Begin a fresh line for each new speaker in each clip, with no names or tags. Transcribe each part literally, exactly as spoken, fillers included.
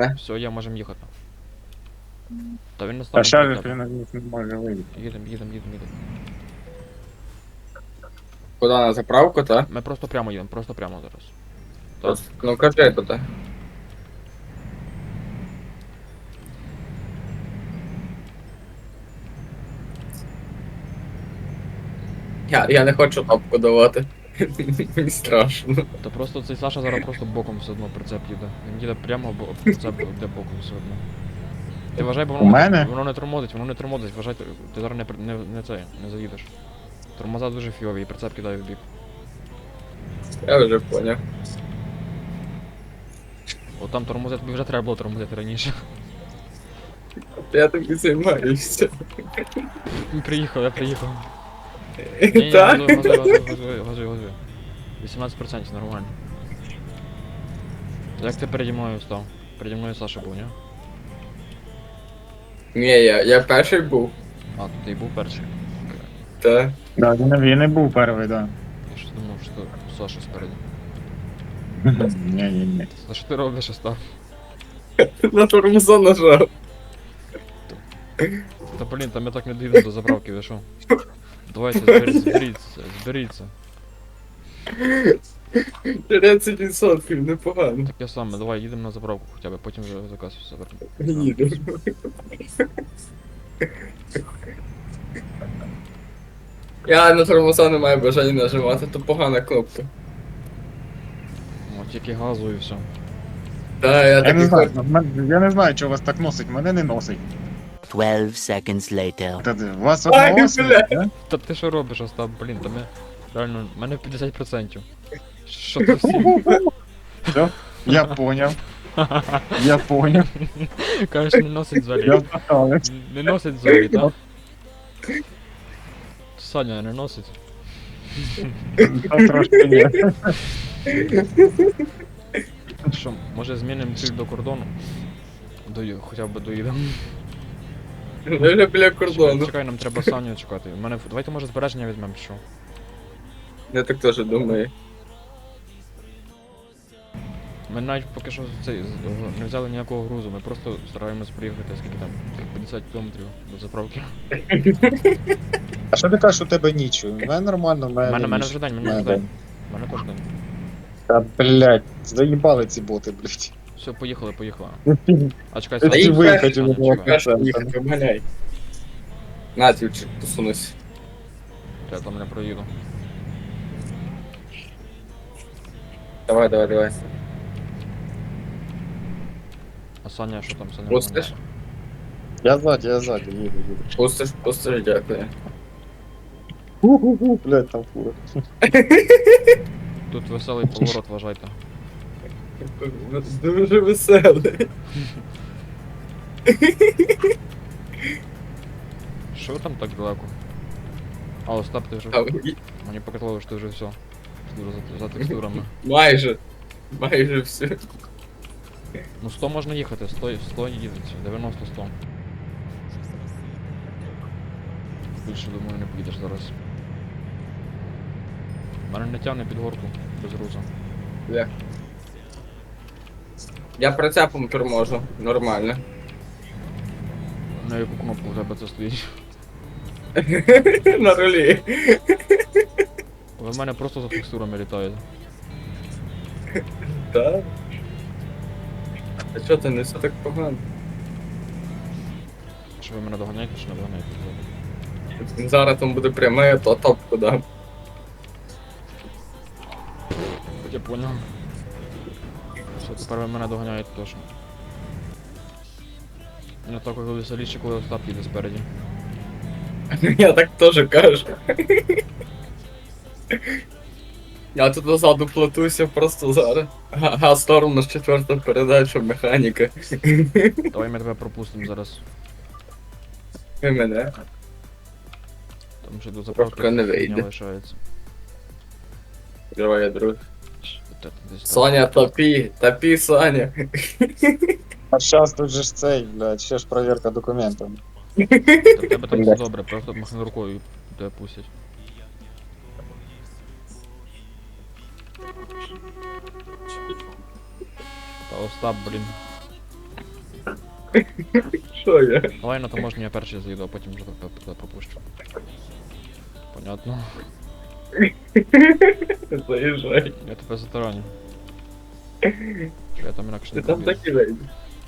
не?
Все, я можемо їхати. Та він не
А
стане
ще
біля
ж
тебе.
він не може вийти.
Їдем, їдем, їдем, їдем.
Куди на заправку, та?
Ми просто прямо їдемо, просто прямо зараз. Так.
Просто- Ну кажи туди. Я, я не хочу топку давати. Мені страшно.
Та просто цей Саша зараз просто боком все одно прицеп їде. Він їде прямо, бо прицеп йде боком все одно. Ти вважай, бо
У
воно,
мене?
воно не тормозить, воно не тормозить, вважай, ти, ти зараз не, при- не, не цей, не заїдеш. Тормоза дуже фіові, і прицеп кидає в бік.
Я вже поняв.
От там тормозити, тобі вже треба було тормозити раніше.
Я тобі займаюся.
Приїхав, я приїхав. Ні, ні,
Так?
газуй, газуй, газуй, газуй, газуй, газуй. вісімнадцять відсотків нормально. Як ти переді мною став? Переді мною Саша був, ні?
Ні, я, я перший був.
А, ти і був перший.
Та.
Да, він, він не був перший, да.
Я щось думав, що Саша спереді.
Ні, ні, ні.
Та що ти робиш, що став?
На тормоза нажав.
Та блін, там я так не доїду до заправки, ви що? Давайте, зберіться, зберіться, зберіться.
тридцять відсотків, непогано.
Таке саме, давай їдемо на заправку хоча б, потім вже заказ все вернемо.
Їду. Я на тормоза не маю бажання нажимати, то погана кнопка.
О, тільки газу і все.
Та, я
Я не
такий
знаю,
хочу.
мен- я не знаю, що вас так носить, мене не носить.
Twelve seconds later.
Та ти- Вас
Ай,
одного носить,
бля.
да?
Та ти що робиш, Остап, блін, та ми... Реально, в мене п'ятдесят відсотків. Що ти всі?
Все, я поняв. Я поняв.
Кажеш, не носить
Я
взагалі.
впитав.
Не носить взагалі, так? Саня не носить.
Та трошки ні.
Що, може змінимо ціль до кордону? Дою, хоча б доїдемо.
Ми вже біля
Чекай,
кордону.
чекай, нам треба Саню чекати. У мене... Давайте може збереження візьмемо, що?
Я так теж думаю.
Ми навіть поки що цей, з- не взяли ніякого грузу, ми просто стараємось приїхати, скільки там, п'ятдесят кілометрів до заправки.
А що ти кажеш, у тебе ніч? У мене нормально, у
У
мене
мене, мене
ніч.
вже день,
У
мене
мене
вже день.
день.
У мене теж день.
Та, блядь, заїбали ці боти, блядь.
Все, поїхали, поїхали. А чекай,
Ти
Та
Саня,
їдь
виїхати
перший,
не
Саня,
було.
чекай.
Перший їхати, обганяй. На, тівчик, посунусь.
Я там не проїду.
Давай, давай, давай.
А Саня, що там, Саня?
Пустиш?
Я ззаді, я ззаді, їду, їду.
Пустиш, пустиш, дякую.
Ху-ху-ху, блядь, там фура.
Тут веселий поворот, вважайте.
Дуже веселий.
Що ви там так далеко? А, Остап, ти вже...
А, і-
Мені показало, що ти вже все. Дуже за, за текстурами.
Майже. Майже все.
Ну сто можна їхати, сто, сто їдеться, дев'яносто сто. Більше, думаю, не поїдеш зараз. Мене не тягне під горку без груза.
Я. Я прицепом торможу. Нормально.
На яку кнопку у тебе це стоїть?
На рулі.
Ви в мене просто за текстурами літаєте.
Так. А чого ти не все так погано?
Що ви мене доганяєте, чи не доганяєте?
Зараз там буде пряме, то топку дам.
Я понял. Все, тепер ви мене доганяєте точно. Не так, коли веселіше, коли Остап їде спереді.
Я так теж кажу. Я тут назаду плетуся просто зараз. Га- Газ сторону з четверту передачу, механіка.
Давай ми тебе пропустимо зараз.
І мене.
Там ще до заправки
Трошки не
фігня
вийде.
лишається.
Давай, я друг.
Та ти десь так.
Соня, топі, топі, Соня.
А зараз тут же ж цей, блядь, ще ж перевірка документів.
Та в тебе там все
Блядь.
добре, просто махни рукою і тебе пустять. Та Остап, блін.
Що я?
Давай на таможню я перший заїду, а потім вже туди туди пропущу. Понятно.
Заїжджай.
Я тебе затараню. Я там інакше
Ти
не
там
повірю.
так і вийдеш.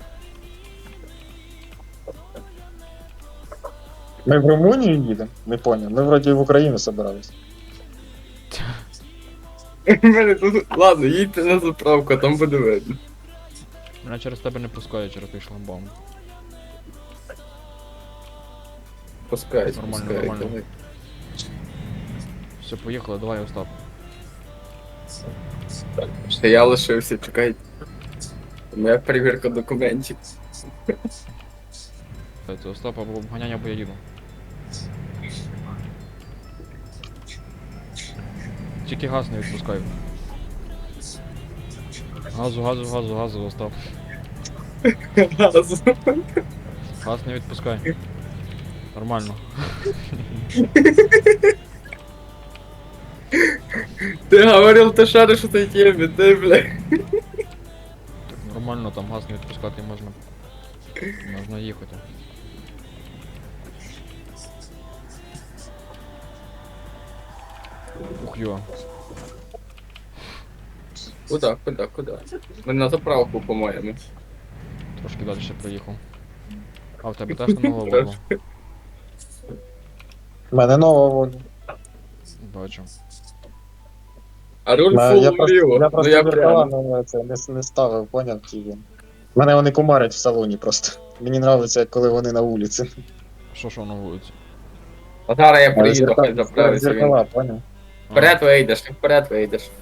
Ми в Румунію їдемо? Не поняв. Ми вроді в Україну собирались.
Мене тут... Ладно, їдьте на заправку, а там буде видно.
Мене через тебе не пускають, через той шламбаум.
Пускайте,
Нормально,
пускайте.
нормально. Все, поїхали, давай, Остап.
Так, ще я лишився, чекайте. Моя перевірка документів.
Це Остап або обганяння, або я їду. Тільки газ не відпускаю. Газу, газу, газу, газу, Остап.
Газу.
Газ не відпускай. Нормально.
Ти говорив, ти шариш у цій темі, ти, бля.
Так нормально, там газ не відпускати можна. Можна їхати. Ух йо.
Куда, куда, куда? Ми на заправку, по-моєму.
Трошки далі ще проїхав. А в тебе теж на нова Volvo?
У мене нова воля.
Бачу.
А руль
Я
фул
просто,
вліво,
я
ну
просто
я
зеркала
прямо.
на це не, не ставив, поняв ті. Мене вони кумарять в салоні просто. Мені нравиться, коли вони на вулиці.
Що що на вулиці?
А зараз я
Але
приїду,
зеркала-
хай заправиться він.
Зеркала, поняв?
А,
Вперед вийдеш, ти вперед вийдеш.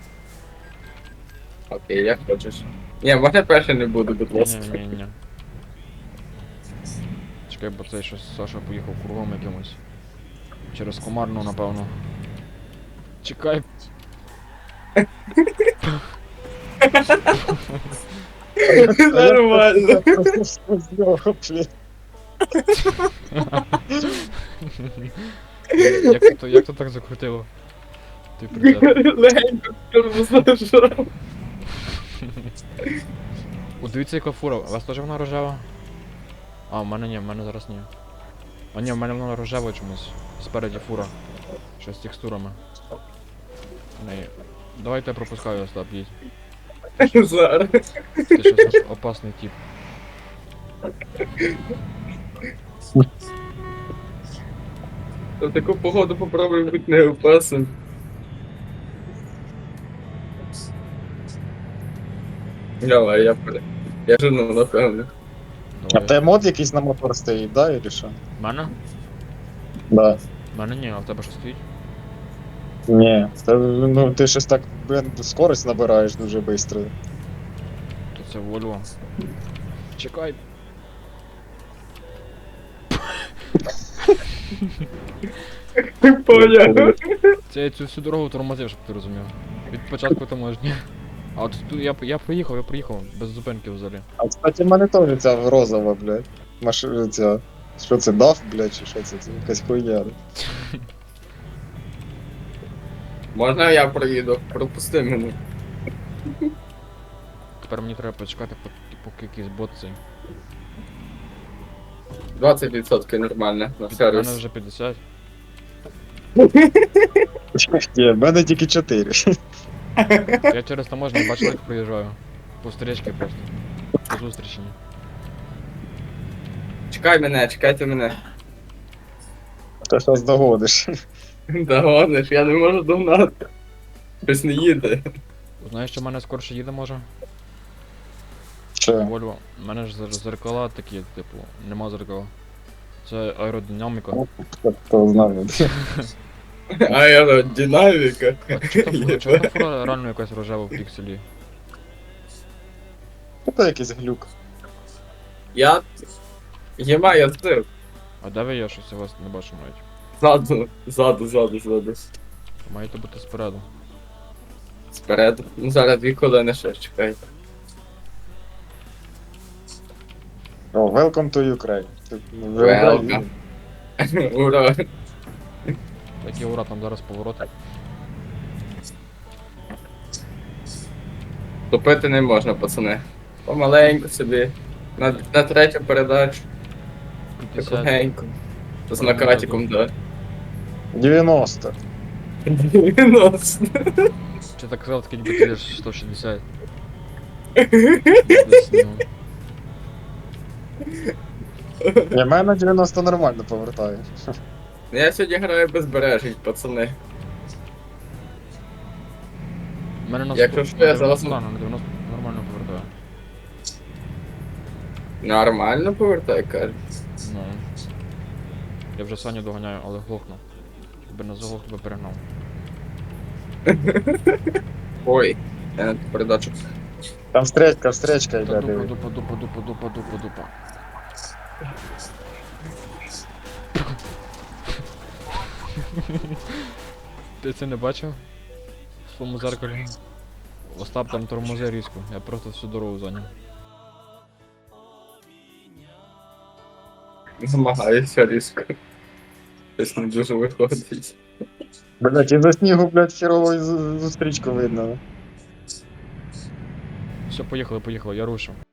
Окей, як хочеш. Ні, можна перше не буду, будь ласка.
Ні, ні, ні. Чекай, бо цей щось Саша поїхав кругом якимось. Через Комарну, напевно. Чекай.
Нормально.
Просто сквозь нього, блін.
Як ти то, як то так закрутило? Ти прицеп.
Легенько тормозажав.
О, дивіться, яка фура. У вас теж вона рожева? А, в мене ні, в мене зараз ні. А ні, в мене вона рожева чомусь. Спереді фура. Що з текстурами. Не. Давайте я пропускаю, Остап, їдь.
Зараз.
Ти щось ос- опасний тип.
В таку погоду попробуй бути не опасним. Давай, я при... Я жену, напевно.
А
Давай.
в тебе мод якийсь на мотор стоїть, да, или що?
В мене?
Да.
В мене ні, а в тебе що стоїть?
Ні, це, ну ти щось так, блин, скорость набираєш дуже швидко.
То це Volvo. Чекай.
Поняв.
Це я цю всю дорогу тормозив, щоб ти розумів. Від початку таможні. А от тут я, я проїхав, я проїхав, без зупинки взагалі.
А кстати, в мене теж ця розова, блядь. Машина ця. Що це, даф, блядь, чи що це? Це якась хуйня.
Можна я проїду? Пропусти мене.
Тепер мені треба почекати, поки, поки якийсь бот цей.
двадцять відсотків нормально на
У мене
сервіс.
вже п'ятдесят.
Ні, в мене тільки чотири.
Я через таможню бачив, як проїжджаю. По стрічці просто. По зустрічі.
Чекай мене, чекайте мене.
Ти щось догодиш.
Догониш, я не можу догнати. Щось не їде.
Знаєш, що в мене скорше їде може?
Що?
Volvo. У мене ж зер- зеркала такі, типу, нема зеркала. Це аеродинаміка.
Хто знає.
Аеродинаміка.
Чого чого та фура реально якась рожева в пікселі?
Це якийсь глюк.
Я... Єма, я зив.
А де ви є, щось я вас не бачу навіть.
Ззаду, ззаду, ззаду, ззаду.
Маєте бути спереду.
Спереду. Ну зараз дві колени ще чекайте.
О, welcome to Ukraine. Ти вже
Welcome.
Україна.
Ура.
Такі ура, там зараз повороти.
Топити не можна, пацани. Помаленьку собі. На, на третю передачу.
п'ятдесят.
Тихенько. З накатиком, да.
дев'яносто.
дев'яносто.
Чи так казав, такий ніби ти сто шістдесят. Десь, ну.
Ні, мене на дев'яносто нормально повертає.
Я сьогодні граю безбережність, пацани.
У мене на
Якщо
сто-
що, я
на
зараз-
дев'яносто, на дев'яносто нормально повертаю.
Нормально повертай, каже.
Ну. Я вже Саню доганяю, але глохну. Якби не заглох, тебе перегнав.
Ой, я на ту передачу.
Там встречка, встречка
Та
йде,
дупа,
диви.
дупа, дупа, дупа, дупа, дупа, дупа. Ти це не бачив? В своєму зеркалі. Остап там тормози різко, я просто всю дорогу зайняв.
Намагаюся різко. Щось не дуже виходить.
Блять, із-за снігу, блять, херово зустрічку видно.
Все, поїхали, поїхали, я рушив.